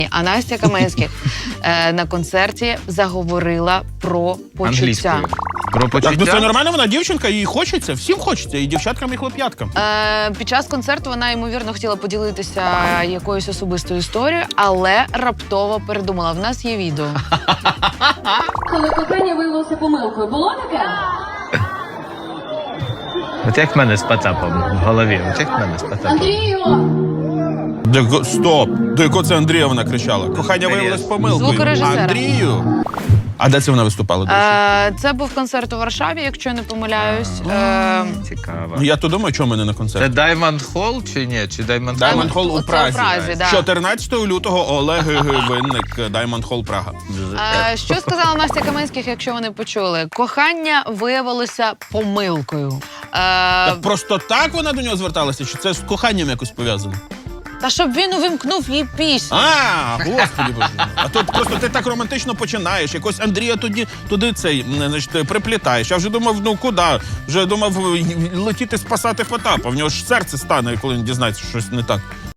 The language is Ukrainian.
А Настя Каменських на концерті заговорила про почуття. Англійською. Про Так, ну це почуття. нормально, вона дівчинка, їй хочеться, всім хочеться, і дівчаткам, і хлоп'яткам. Під час концерту вона, ймовірно, хотіла поділитися якоюсь особистою історією, але раптово передумала. В нас є відео. Коли кохання виявилося помилкою, було таке? От як в мене з Потапом в голові. От як в мене з Потапом. Андрію! Стоп! До якого це Андріївна кричала? Кохання виявилось помилкою. Звукорежисера. Андрію! А де це вона виступала, до речі? Це був концерт у Варшаві, якщо я не помиляюсь. Цікаво. Ну я то думаю, чому мене на Це концерт. Diamond Hall чи ні? Чи Diamond Hall? Diamond Hall у Це Празі. у Празі, да. 14 лютого Олег Винник, Diamond Hall Прага. Що сказала Настя Каменських, якщо вони почули? Кохання виявилося помилкою. Так просто так вона до нього зверталася? Чи це з коханням якось пов'язано? Та щоб він увімкнув їй пісню. Господи боже. А тут просто ти так романтично починаєш. Якось Андрія туди цей, значить, приплітаєш. Я вже думав, ну куди? Вже думав летіти спасати Потапа. В нього ж серце стане, коли він дізнається, що щось не так.